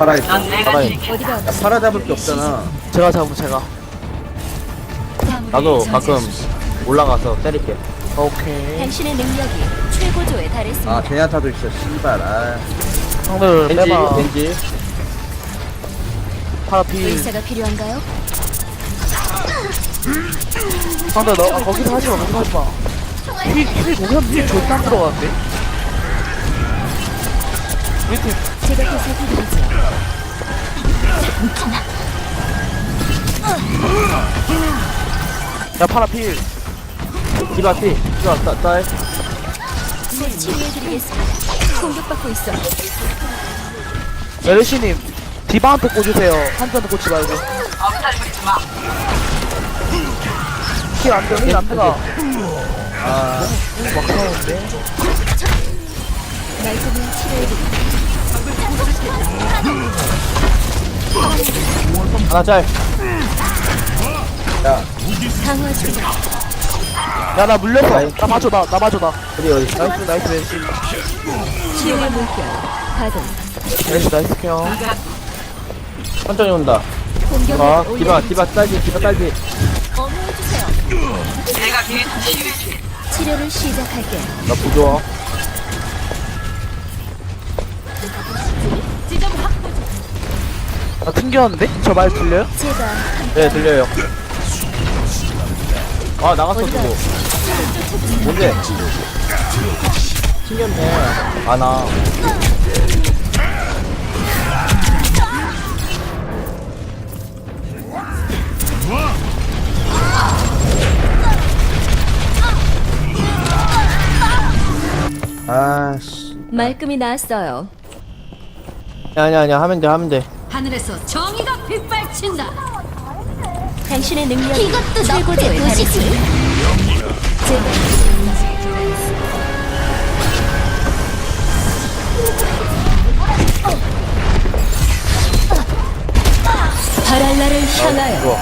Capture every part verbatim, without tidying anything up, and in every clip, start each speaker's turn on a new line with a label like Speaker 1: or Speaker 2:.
Speaker 1: 살아있어.
Speaker 2: 살아있네.
Speaker 3: 어디가
Speaker 1: 야, 팔아 잡을 게 없잖아.
Speaker 2: 제가 잡으면 제가.
Speaker 4: 나도 가끔 올라가서 때릴게.
Speaker 2: 오케이.
Speaker 3: 당신의 능력이 최고조에 달했습니다.
Speaker 1: 아, 제냐타도 있어, 씨발. 아,
Speaker 2: 형들
Speaker 4: 겐지,
Speaker 2: 빼봐.
Speaker 4: 겐지.
Speaker 2: 파라피.
Speaker 3: 의사가 필요한가요?
Speaker 2: 형들 너 아, 거기서 하지마 거기서 하지마. 힐, 힐 공연 힐 절대 안 들어가는데? 우리 팀
Speaker 3: 제가 보살펴드리죠.
Speaker 2: 야 파라필.
Speaker 4: 디바 피. 디바 따, 딸.
Speaker 3: 곧 치료해드리겠습니다. 공격받고 있어.
Speaker 2: 메르시님 디바한테 꽂으세요. 한쪽한테 꽂지 말고. 힐 안돼 힐 안돼가.
Speaker 1: 아,
Speaker 2: 막 나오는데.
Speaker 3: 말끔히 치료해드리죠.
Speaker 4: 하나 짤.
Speaker 1: 야,
Speaker 3: 강화 중.
Speaker 2: 야 나 물렸어. 나 맞줘 나 나 맞줘 나.
Speaker 4: 우리 어디 있어?
Speaker 2: 나이스 나이스 메르시.
Speaker 3: 치유의 물결. 가동.
Speaker 2: 메르시 나이스 형.
Speaker 4: 천천히 온다.
Speaker 3: 공격을
Speaker 4: 아, 디바,
Speaker 3: 올려드리죠.
Speaker 4: 디바 딸기, 디바 딸기.
Speaker 3: 어머해주세요. 치료를 시작할게요.
Speaker 4: 나 부조화.
Speaker 2: 나 튕겼는데? 저 말 들려요?
Speaker 3: 제가
Speaker 4: 네, 들려요. 아, 나갔어,
Speaker 3: 어디가
Speaker 4: 누구. 뭔데? 튕겼네. 아, 나.
Speaker 1: 아, 씨.
Speaker 3: 말끔히 나았어요.
Speaker 4: 아니야, 아니야. 하면 돼, 하면 돼.
Speaker 5: 하늘에서 정의가 빗발친다.
Speaker 3: 당신의 능력이 이것도 최고조에 달했습니다. 제가 바랄라를 향하여
Speaker 4: 좋아.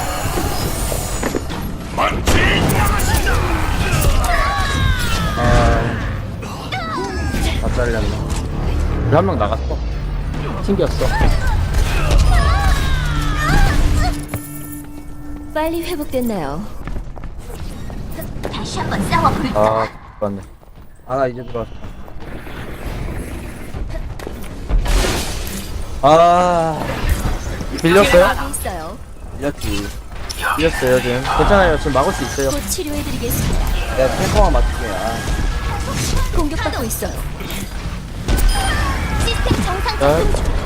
Speaker 1: 다 잘렸네.
Speaker 4: 우리 한 명 나갔어. 튕겼어.
Speaker 3: 빨리 회복됐나요? 다시 한번 싸워볼
Speaker 4: 아, 맞네.
Speaker 1: 아, 나 이제 들어왔어. 아,
Speaker 2: 밀렸어요?
Speaker 3: 여기 있어요.
Speaker 1: 이겼지.
Speaker 4: 이겼어요, 지금. 괜찮아요. 지금 막을 수 있어요.
Speaker 3: 곧 치료해드리겠습니다.
Speaker 1: 내가 탱커만 맞출게. 아,
Speaker 3: 공격받고 있어요. 시스템 정상
Speaker 4: 자,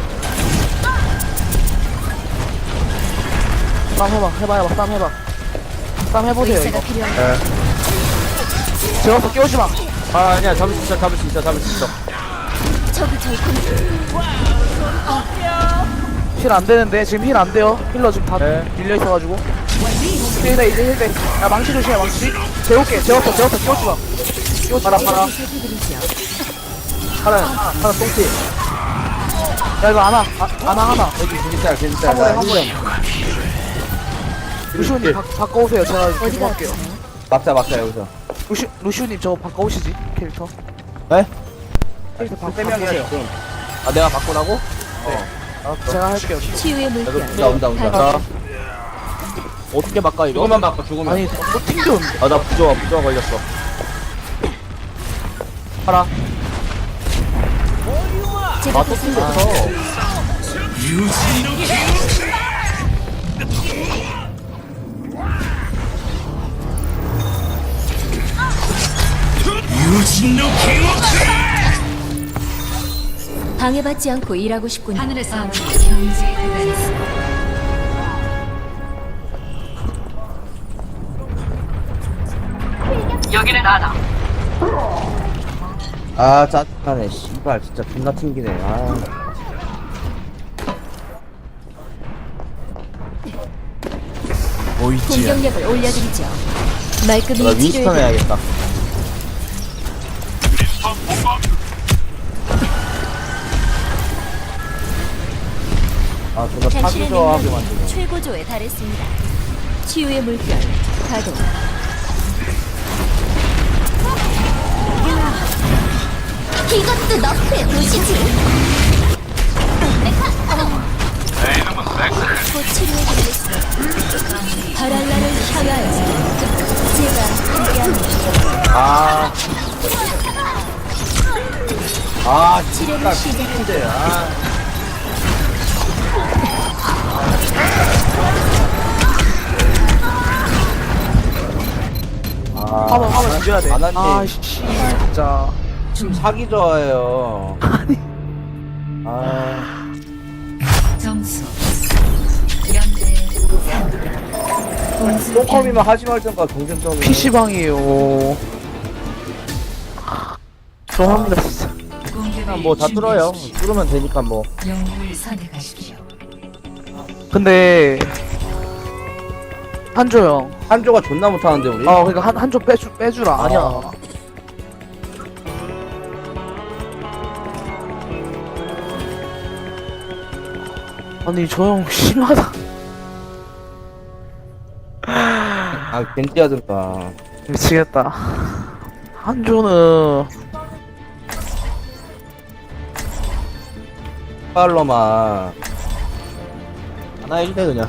Speaker 2: 싸움 해봐 해봐 해봐 싸움 해봐. 싸움 해보세요
Speaker 3: 의사가
Speaker 2: 이거.
Speaker 3: 필요한가요?
Speaker 2: 제어서 끼우지마.
Speaker 4: 아, 아니야. 잡을 수 있어, 잡을 수 있어, 잡을 수 있어.
Speaker 3: 저기 절 공.
Speaker 2: 힐 안되는데 지금 힐 안돼요. 힐러 지금 다
Speaker 4: 네.
Speaker 2: 밀려있어가지고. 힐대 이제 힐대. 야 망치 조심해 망치. 재울게 재웠어 재웠어 끼우지마. 끼우지 마라 파라.
Speaker 3: 살펴드리죠.
Speaker 2: 파라 파라 똥띠. 야 이거 안아 아, 안아 하나.
Speaker 1: 여기 겐지짤, 겐지짤.
Speaker 2: 화물에
Speaker 1: 나
Speaker 2: 화물에. 루시우님 바, 바꿔오세요. 제가
Speaker 3: 어디가
Speaker 2: 계속 할게요.
Speaker 3: 아프세요?
Speaker 1: 막자, 막자, 여기서.
Speaker 2: 루시 루시우님 저거 바꿔오시지 캐릭터.
Speaker 4: 네?
Speaker 2: 캐릭터 바,
Speaker 1: 세 명이야,
Speaker 2: 바꾸세요.
Speaker 1: 지금.
Speaker 4: 아, 내가 바꾸라고?
Speaker 2: 제가 할게요.
Speaker 3: 치유의 물결.
Speaker 1: 온다, 온다, 온다.
Speaker 3: 가동.
Speaker 4: 어떻게 바꿔, 이거?
Speaker 1: 죽으면 바꿔, 죽으면.
Speaker 2: 아니 또 튕겼는데.
Speaker 4: 아, 나 부조화, 부조화 걸렸어.
Speaker 2: 파라.
Speaker 3: 제가
Speaker 4: 아, 또
Speaker 3: 보살펴
Speaker 4: 튕겼어.
Speaker 3: 방해받지 않고 일하고 싶군요.
Speaker 5: 하늘에서 경제에 도달했어. 여기는 나다.
Speaker 1: 아, 짜증나네. 씨발, 진짜 존나 튕기네. 아.
Speaker 3: 공격력을 올려드리죠.
Speaker 4: 나
Speaker 3: 말끔히
Speaker 4: 윈스턴
Speaker 3: 치료해드리죠.
Speaker 4: 해야겠다.
Speaker 1: 아, 존나
Speaker 3: 당신의
Speaker 1: 파기조하게
Speaker 3: 능력이
Speaker 1: 만드네.
Speaker 3: 최고조에 달했습니다. 치유의 물결 가동. 이것도 너프의 도시지. 곧 치료해드리겠습니다. 바랄라를 향하여 제가 함께합니다.
Speaker 1: 아. 아,
Speaker 3: 치료를 시작합니다.
Speaker 1: 진짜. 아. 아,
Speaker 2: 화면 화면 죽여야 돼.
Speaker 1: 아나님.
Speaker 2: 아씨 진짜.
Speaker 1: 좀 사기 좋아해요.
Speaker 2: 아니.
Speaker 1: 아,
Speaker 5: 점수 연대 삼.
Speaker 1: 똥컴이면 하지 말던가 경쟁점이.
Speaker 2: 피시방이에요. 좋아합니다 진짜.
Speaker 4: 그냥 뭐 다 뚫어요. 뚫으면 되니까 뭐.
Speaker 5: 영웅을 선택하십시오.
Speaker 2: 근데 한조 형.
Speaker 1: 한조가 존나 못하는데 우리.
Speaker 2: 아 그러니까 한 한조 빼주 빼주라. 아니야.
Speaker 1: 아.
Speaker 2: 아니 저 형 심하다.
Speaker 1: 아, 겐지하던가.
Speaker 2: 미치겠다. 한조는
Speaker 1: 빨로만.
Speaker 4: 하나 해주대 그냥.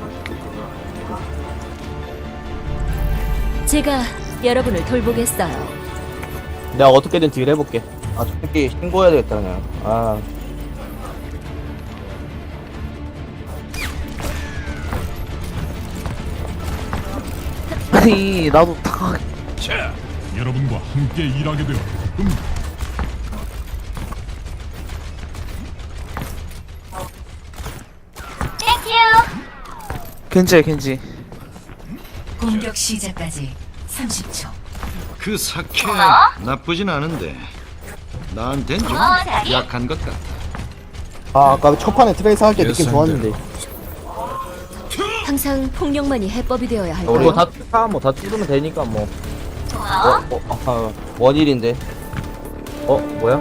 Speaker 3: 제가 여러분을 돌보겠어요.
Speaker 4: 내가 어떻게든 딜 해볼게.
Speaker 1: 아, 저 새끼 신고해야 되겠다 그냥. 아.
Speaker 2: 아니 나도 다
Speaker 6: 자, 여러분과 함께 일하게 되어 기쁩니다.
Speaker 2: 겐지야 겐지.
Speaker 5: 공격 시작까지 삼십 초.
Speaker 7: 그 사케 나쁘진 않은데 나한텐 좀 약한 것 같다.
Speaker 4: 아 아까 첫 판에 트레이스 할 때 느낌
Speaker 7: 예상대로.
Speaker 4: 좋았는데.
Speaker 3: 항상 폭력만이 해법이 되어야
Speaker 4: 뭐
Speaker 3: 할까요?
Speaker 4: 다 뚫다 뭐다 뚫으면 되니까 뭐.
Speaker 1: 어, 어, 아, 원일인데.
Speaker 4: 어 뭐야?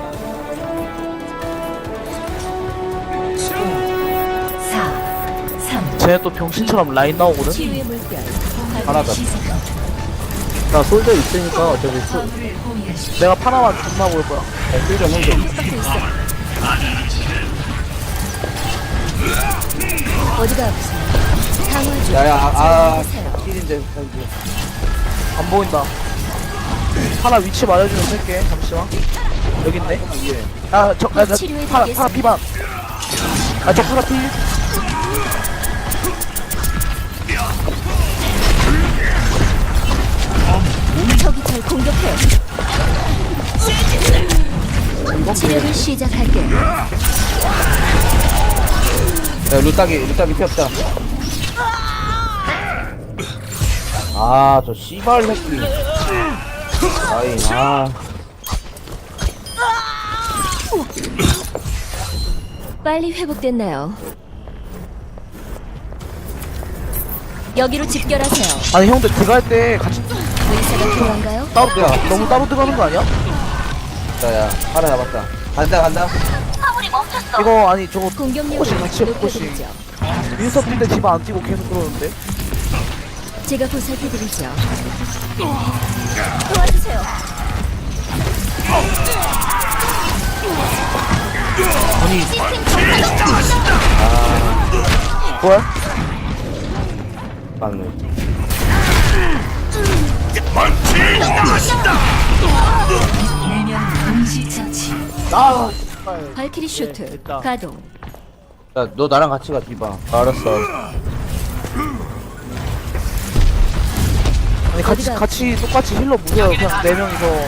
Speaker 5: 사, 삼.
Speaker 2: 쟤네 또 병신처럼 라인 나오거든.
Speaker 3: 치유의 물결
Speaker 1: 하나다.
Speaker 4: 나 솔저 있으니까 어차피 수,
Speaker 5: 화물을 호위하십시오.
Speaker 2: 내가 파나만 존나 볼 거야.
Speaker 1: 필좀 해줘.
Speaker 3: 섞여 있어. 어디가 아프세요? 강화 중.
Speaker 1: 야야, 아, 아,
Speaker 3: 하세요.
Speaker 1: 필인데.
Speaker 2: 안 보인다. 하나 위치 말해주면 쓸게. 잠시만. 여기 있네. 아, 저, 아, 나,
Speaker 3: 치료해
Speaker 2: 파라,
Speaker 3: 드리겠습니다.
Speaker 2: 파라 피반. 아, 저 파라 피.
Speaker 3: 적이 절 공격해요. 치료를 시작할게요.
Speaker 1: 야, 루따기, 루따기 피 없다. 아, 저 씨발 새끼. 아이, 아.
Speaker 3: 빨리 회복됐나요? 여기로 집결하세요.
Speaker 2: 아니, 형들 들어갈 때 같이
Speaker 3: 의사가 필요한가요?
Speaker 2: 따로, 야, 너무 따로 들어가는 거 아니야?
Speaker 1: 자, 야, 하나 잡았다. 간다, 간다.
Speaker 2: 이거, 아니, 저거,
Speaker 3: 공격력을
Speaker 2: 포커싱 같이 해, 포커싱.
Speaker 3: 높여드리죠.
Speaker 2: 윈서 뛸때 집 안 뛰고 계속 그러는데?
Speaker 3: 제가 보살펴드리죠. 도와주세요.
Speaker 2: 뭐야?
Speaker 1: 맞네.
Speaker 5: 네명 동시 처치.
Speaker 2: 아,
Speaker 3: 발키리 슈트
Speaker 2: 됐다.
Speaker 3: 가동.
Speaker 1: 야, 너 나랑 같이 가, 디바.
Speaker 4: 알았어.
Speaker 2: 아니, 같이,
Speaker 3: 어디가
Speaker 2: 같이, 똑같이 힐러 무려 그냥 네 명이서.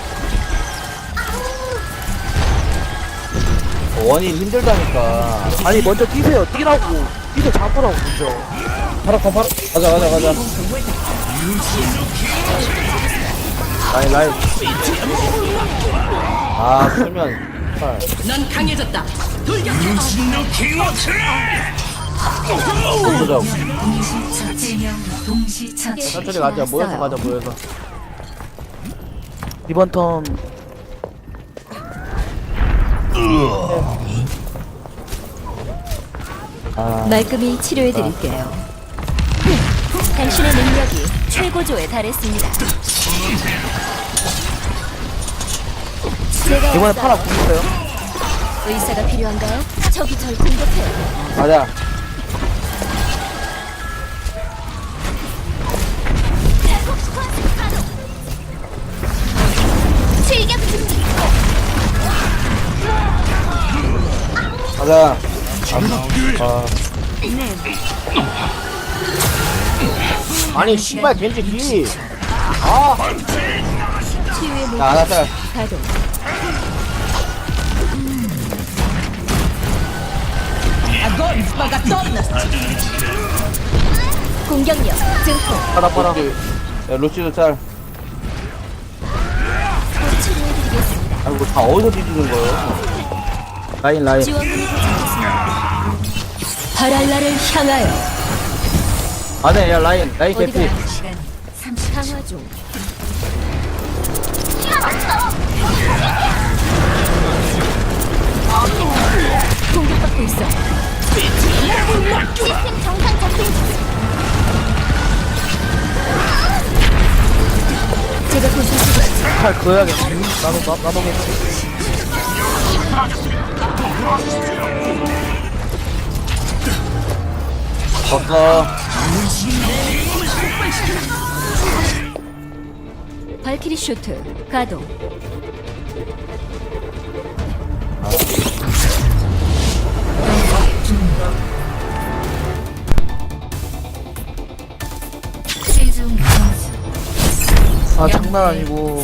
Speaker 1: 원인 힘들다니까.
Speaker 2: 아니, 먼저 뛰세요. 뛰라고. 뛰서 잡으라고, 먼저.
Speaker 1: 파라, 파라, 가자, 가자, 가자.
Speaker 4: 라인 라인.
Speaker 1: 아, 수면. 팔.
Speaker 5: 넌 강해졌다. 돌격.
Speaker 1: 보자.
Speaker 5: 동시 처치. 명 동시 처치.
Speaker 4: 천천히 가자. 모여서 가자 모여서.
Speaker 2: 이번 턴,
Speaker 1: 아,
Speaker 3: 말끔히 치료해드릴게요. 당신의 능력이 최고조에 달했습니다. 제가
Speaker 2: 이번에
Speaker 3: 왔어요.
Speaker 2: 파라 궁 있어요?
Speaker 3: 의사가 필요한가요? 적이 절 공격해요.
Speaker 1: 가자.
Speaker 3: 출격 준비.
Speaker 1: 가자.
Speaker 4: 아니 씨발 겐지 뒤
Speaker 3: 치유의 물
Speaker 1: 자, 알았어.
Speaker 3: 가동. 공격력 증폭.
Speaker 2: 하나 봐라.
Speaker 1: 야, 루시도 짤.
Speaker 3: 곧 치료해드리겠습니다.
Speaker 1: 아이고, 다 어디서 뒤지는 거예요?
Speaker 4: 라인 라인
Speaker 3: 지원군이 도착했습니다. 바랄라를 향하여
Speaker 4: 안해 야 라인 라인
Speaker 3: 어디가
Speaker 4: 개피
Speaker 5: 시간 삼십 초.
Speaker 3: 강화 중. 공격받고 있어. 시스템 정상 작동 중. 제가 보살펴드리죠.
Speaker 2: 팔 그어야겠네. 나도 나 나도겠지.
Speaker 1: 졌어.
Speaker 3: 발키리 쇼트 가동.
Speaker 5: 최종 점수
Speaker 2: 아 장난 아니고.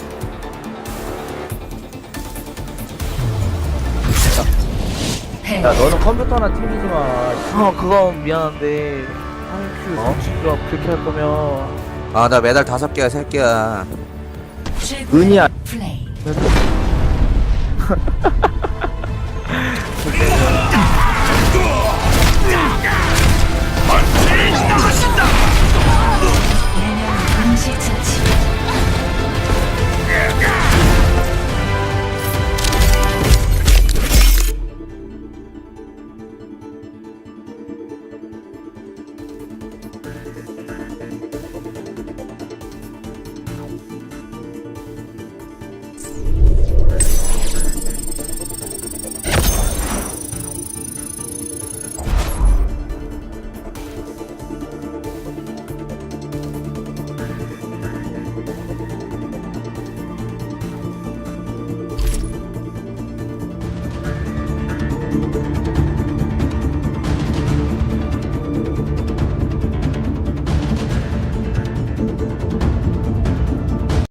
Speaker 5: 패.
Speaker 1: 야, 너는 컴퓨터나 튕기지 마.
Speaker 2: 아 그건 미안한데. 한큐
Speaker 1: 어?
Speaker 2: 정치가 그렇게 할 거면.
Speaker 1: 아, 나 메달 다섯 개야, 세 개야.
Speaker 5: 최고의
Speaker 4: 은이야
Speaker 5: 플레이.